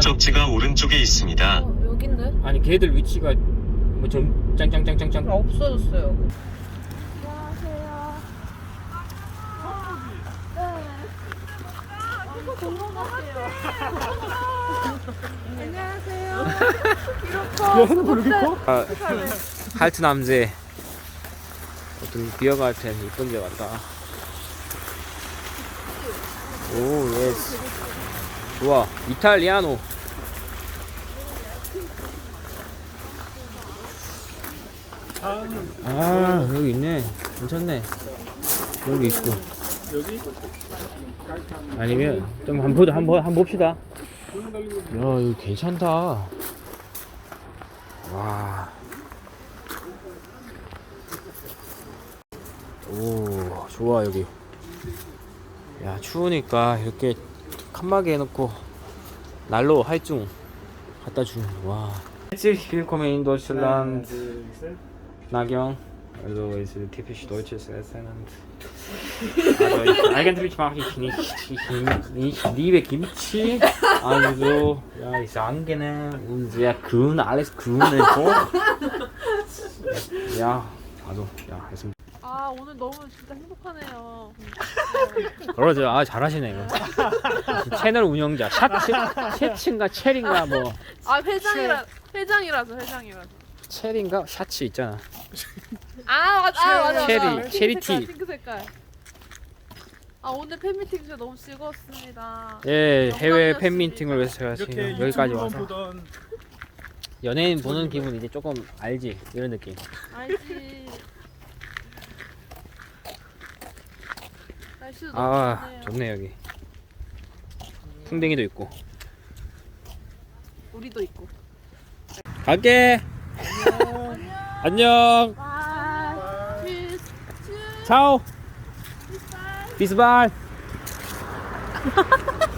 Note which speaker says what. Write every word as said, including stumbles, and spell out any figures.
Speaker 1: 목적지가 오른쪽에 있습니다.
Speaker 2: 어, 여긴데?
Speaker 3: 아니 걔들 위치가 뭐좀 짱짱짱짱짱.
Speaker 2: 아, 없어졌어요. 안녕하세요. 안녕하세요.
Speaker 3: 아, 할트 남제 어떤 비어가르텐 이쁜 데 왔다. 오 예스 좋아 이탈리아노. 아 여기 있네. 괜찮네. 여기 있고 아니면 좀 한번 한번 한번 봅시다. 야 여기 괜찮다. 와. 오 좋아 여기. 야 추우니까 이렇게 칸막이 해놓고 난로 할중 갖다 주는. 와. Herzlich willkommen in Deutschland. Nagion. Also ist typisch deutsches Essen. Also ich, eigentlich mache ich nicht, ich, ich liebe Kimchi. Also ja, ist angenehm und sehr grün, alles grün und so. Ja, also ja, ist
Speaker 2: 아, 오늘 너무 진짜 행복하네요.
Speaker 3: 그러죠. 아 잘하시네 이거. 채널 운영자 샤츠 샤츠인가 체린가 뭐
Speaker 2: 아, 회장이라 회장이라서 회장이라서.
Speaker 3: 체린가 샤츠 있잖아.
Speaker 2: 아, 맞아. 아, 맞아.
Speaker 3: 체리,
Speaker 2: 맞아.
Speaker 3: 체리
Speaker 2: 핑크 색깔,
Speaker 3: 티.
Speaker 2: 핑크 색깔. 아, 오늘 팬미팅 진짜 너무 즐거웠습니다.
Speaker 3: 예 해외
Speaker 2: 영광이었습니다.
Speaker 3: 팬미팅을 위해서 제가 지금
Speaker 4: 이렇게
Speaker 3: 여기까지
Speaker 4: 유튜브만
Speaker 3: 와서
Speaker 4: 보던
Speaker 3: 연예인 보는 기분 이제 조금 알지 이런 느낌.
Speaker 2: 알지. 날씨도 너무
Speaker 3: 아
Speaker 2: 좋네요.
Speaker 3: 좋네 여기. 풍뎅이도 있고.
Speaker 2: 우리도 있고.
Speaker 3: 갈게. 안녕.
Speaker 2: 와. 튜스. 튜스.
Speaker 3: 차오. 비스발.